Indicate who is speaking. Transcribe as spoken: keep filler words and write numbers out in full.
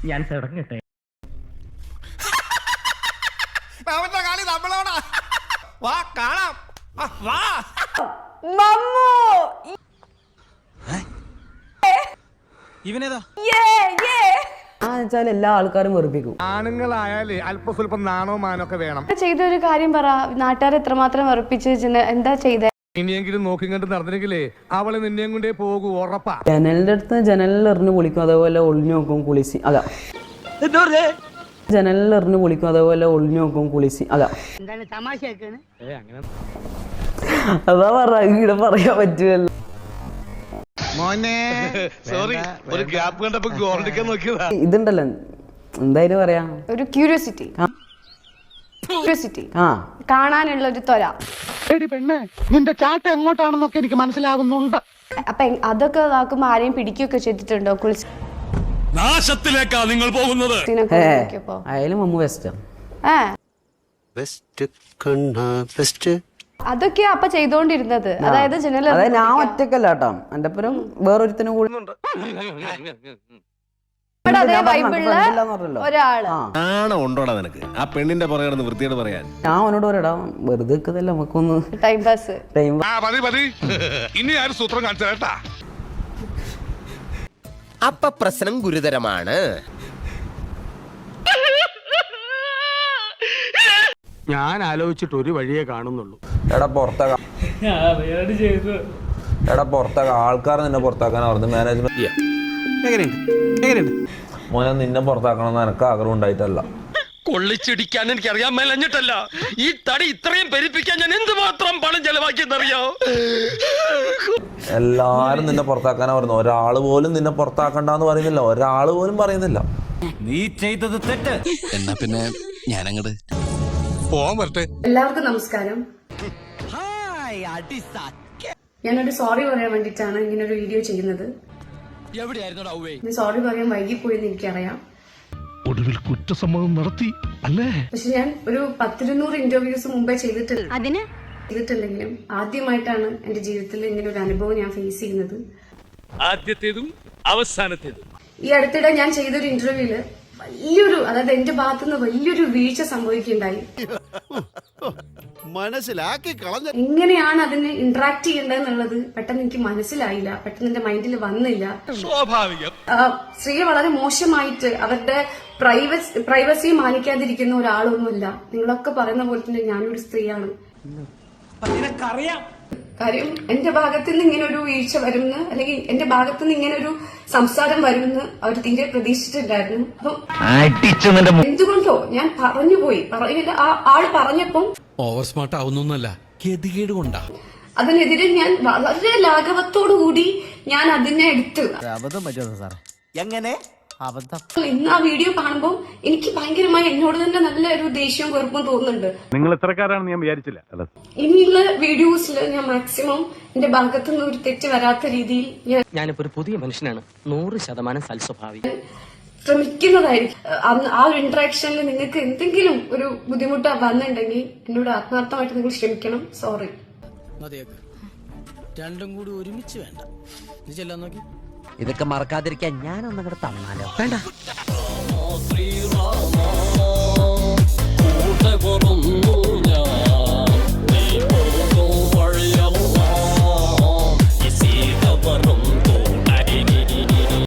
Speaker 1: ഞാൻ തുടങ്ങട്ടെ.
Speaker 2: കളി നമ്മളോടാ. വാ കാണാം. വാ
Speaker 3: ഇവനേതാ
Speaker 4: വെച്ചാൽ എല്ലാ ആൾക്കാരും വെറുപ്പിക്കും.
Speaker 2: ആണുങ്ങളായാലേ അല്പ സ്വല്പം നാണോ മാനോ ഒക്കെ വേണം.
Speaker 5: ചെയ്ത ഒരു കാര്യം പറ, നാട്ടുകാർ എത്രമാത്രം വെറുപ്പിച്ച് എന്താ ചെയ്തേ?
Speaker 2: ഇനിയെങ്കിലും നോക്കി കണ്ട് നടന്നില്ലെങ്കിലേ അവള് നിന്നെയും കൊണ്ടേ പോകൂ, ഉറപ്പാ.
Speaker 4: ജനലിന്റെ അടുത്ത് ജനലിൽ എറിഞ്ഞ് കുളിക്കും, അതേപോലെ ഒളിഞ്ഞു നോക്കും കുളിസി. അതാ ജനലിൽ എറിഞ്ഞ് കുളിക്കും, അതേപോലെ ഒളിഞ്ഞു നോക്കും കുളിസി. അതാ അതാ പറ, ഇവിടെ പറയാൻ പറ്റുമല്ലോ. ഇതുണ്ടല്ലോ എന്തായാലും പറയാ,
Speaker 5: ഒരു ക്യൂരിയോസിറ്റി ക്യൂരിയോസിറ്റി
Speaker 4: ആ
Speaker 5: കാണാനുള്ള ഒരു ത്വര.
Speaker 6: നിന്റെ ചാട്ട എങ്ങോട്ടാണെന്നൊക്കെ എനിക്ക് മനസ്സിലാകുന്നുണ്ട്.
Speaker 5: അപ്പൊ അതൊക്കെ ഇതാക്കുമ്പോ ആരെയും പിടിക്കുകയൊക്കെ ചെയ്തിട്ടുണ്ടോ? കുളിച്ച്
Speaker 3: നാശത്തിലേക്കാ നിങ്ങൾ പോകുന്നത്.
Speaker 4: അയാലും മമ്മു ബെസ്റ്റാ.
Speaker 5: അതൊക്കെയാ അപ്പൊ ചെയ്തോണ്ടിരുന്നത്. അതായത് ജനൽ
Speaker 4: അതായത് ഞാൻ ഒറ്റക്കല്ല കേട്ടോ, എന്റെ ഒപ്പം വേറൊരുത്തനും കൂടി
Speaker 5: ഒരാള്.
Speaker 3: ഉണ്ടോടാ നിനക്ക് ആ പെണ്ണിന്റെ പുറകെ വൃത്തിയോട് പറയാൻ?
Speaker 4: ഞാൻ അവനോട് പറയടാ, വെറുതെ നിൽക്കുന്നല്ല നമുക്കൊന്ന്
Speaker 5: ടൈം പാസ്.
Speaker 4: ടൈം
Speaker 2: ഇനി ആരും സൂത്രം കാണിച്ചാ.
Speaker 7: അപ്പൊ പ്രശ്നം ഗുരുതരമാണ്.
Speaker 2: ഞാൻ ആലോചിച്ചിട്ട് ഒരു വഴിയേ കാണുന്നുള്ളൂ.
Speaker 8: എടാ പുറത്താക്കാം, എടാ പുറത്താക്കാം. ആൾക്കാർ നിന്നെ പുറത്താക്കാനാ പറഞ്ഞു മാനേജ്മെന്റ്. മോനെ നിന്നെ പുറത്താക്കണമെന്ന് എനക്ക് ആഗ്രഹം ഉണ്ടായിട്ടല്ല.
Speaker 3: കൊള്ളിച്ചിടിക്കാൻ എനിക്ക് അറിയാൻ മേലഞ്ഞിട്ടല്ല, ഈ തടി ഇത്രയും പെരുപ്പിക്കാൻ ഞാൻ എന്തുമാത്രം പണം ചെലവാക്കിയെന്നറിയോ?
Speaker 8: എല്ലാരും നിന്നെ പുറത്താക്കാനാ പറഞ്ഞു, ഒരാള് പോലും നിന്നെ പുറത്താക്കണ്ടെന്ന് പറയുന്നില്ല, ഒരാള് പോലും പറയുന്നില്ല.
Speaker 3: നീ ചെയ്തത് തെറ്റ്. എന്നാ പിന്നെ ഞാനങ്ങട്
Speaker 2: പോവാൻ വരട്ടെ.
Speaker 5: എല്ലാവർക്കും നമസ്കാരം. ഞാനൊരു സോറി പറയാൻ വേണ്ടിട്ടാണ് ഇങ്ങനെ ഒരു വീഡിയോ ചെയ്യുന്നത്. സോറി പറയാൻ വൈകിപ്പോയെന്ന് എനിക്കറിയാം.
Speaker 2: ഒടുവിൽ കുറ്റസമ്മതം നടത്തി അല്ലേ?
Speaker 5: പക്ഷെ ഞാൻ ഒരു പത്തിരുന്നൂറ് ഇന്റർവ്യൂസ് മുമ്പേ ചെയ്തിട്ടില്ല ചെയ്തിട്ടുണ്ടെങ്കിലും ആദ്യമായിട്ടാണ് എന്റെ ജീവിതത്തിൽ ഇങ്ങനെ ഒരു അനുഭവം ഞാൻ ഫേസ് ചെയ്യുന്നത്.
Speaker 3: ആദ്യത്തേതും അവസാനത്തേതും.
Speaker 5: ഈ അടുത്തിടെ ഞാൻ ചെയ്തൊരു ഇന്റർവ്യൂല് വലിയൊരു, അതായത് എന്റെ ഭാഗത്തുനിന്ന് വലിയൊരു വീഴ്ച സംഭവിക്കുകയുണ്ടായി.
Speaker 3: മനസ്സിലാക്കി കളഞ്ഞ
Speaker 5: എങ്ങനെയാണ് അതിനെ ഇന്ററാക്ട് ചെയ്യേണ്ടതെന്നുള്ളത് പെട്ടെന്ന് എനിക്ക് മനസ്സിലായില്ല, പെട്ടെന്ന് എന്റെ മൈൻഡിൽ വന്നില്ല.
Speaker 3: സ്വാഭാവികം.
Speaker 5: സ്ത്രീയെ വളരെ മോശമായിട്ട് അവരുടെ പ്രൈവസി പ്രൈവസി മാനിക്കാതിരിക്കുന്ന ഒരാളൊന്നുമില്ല. നിങ്ങളൊക്കെ പറയുന്ന പോലെ തന്നെ ഞാനൊരു സ്ത്രീയാണ്. കാര്യം എന്റെ ഭാഗത്തു നിന്ന് ഇങ്ങനെ ഒരു വീഴ്ച വരുമെന്ന്, അല്ലെങ്കിൽ എന്റെ ഭാഗത്തു നിന്ന് ഇങ്ങനെ ഒരു സംസാരം വരുമെന്ന് അവർ തീരെ പ്രതീക്ഷിച്ചിട്ടുണ്ടായിരുന്നു. അപ്പം എന്തുകൊണ്ടോ ഞാൻ പറഞ്ഞുപോയി. പറഞ്ഞില്ല, ആ ആള് പറഞ്ഞപ്പം
Speaker 3: ഓവർ സ്മാർട്ട് ആവുന്നല്ല, ഗതികേട് കൊണ്ടാ.
Speaker 5: അതിനെതിരെ ഞാൻ വളരെ ലാഘവത്തോടു കൂടി ഞാൻ അതിനെ എടുത്ത്.
Speaker 4: എങ്ങനെ
Speaker 5: ഇന്ന് ആ വീഡിയോ കാണുമ്പോൾ എനിക്ക് ഭയങ്കരമായി എന്നോട് തന്നെ നല്ല ഒരു ദേഷ്യവും വെറുപ്പും തോന്നുന്നുണ്ട്.
Speaker 2: നിങ്ങൾ ഇത്രക്കാരാണെന്ന് ഞാൻ വിചാരിച്ചില്ല.
Speaker 5: ഇനിയുള്ള വീഡിയോസിൽ ഞാൻ മാക്സിമം എന്റെ ഭാഗത്തുനിന്ന് ഒരു തെറ്റ് വരാത്ത രീതിയിൽ ഞാൻ
Speaker 1: ഞാനിപ്പോ ഒരു പുതിയ മനുഷ്യനാണ്, നൂറ് ശതമാനം സൽസ്വഭാവി.
Speaker 5: ശ്രമിക്കുന്നതായിരിക്കും. ആ ഒരു ഇന്ററാക്ഷനിൽ നിങ്ങൾക്ക് എന്തെങ്കിലും ഒരു ബുദ്ധിമുട്ട് വന്നിട്ടുണ്ടെങ്കിൽ എന്നോട് ആത്മാർത്ഥമായിട്ട് നിങ്ങൾ ക്ഷമിക്കണം. സോറി.
Speaker 3: രണ്ടും കൂടി ഒരുമിച്ച് വേണ്ട. നീ ചെല്ലാൻ നോക്കി.
Speaker 4: ഇതൊക്കെ മറക്കാതിരിക്കാൻ ഞാനൊന്നങ്ങോട്ട് തന്നാലോ? വേണ്ട.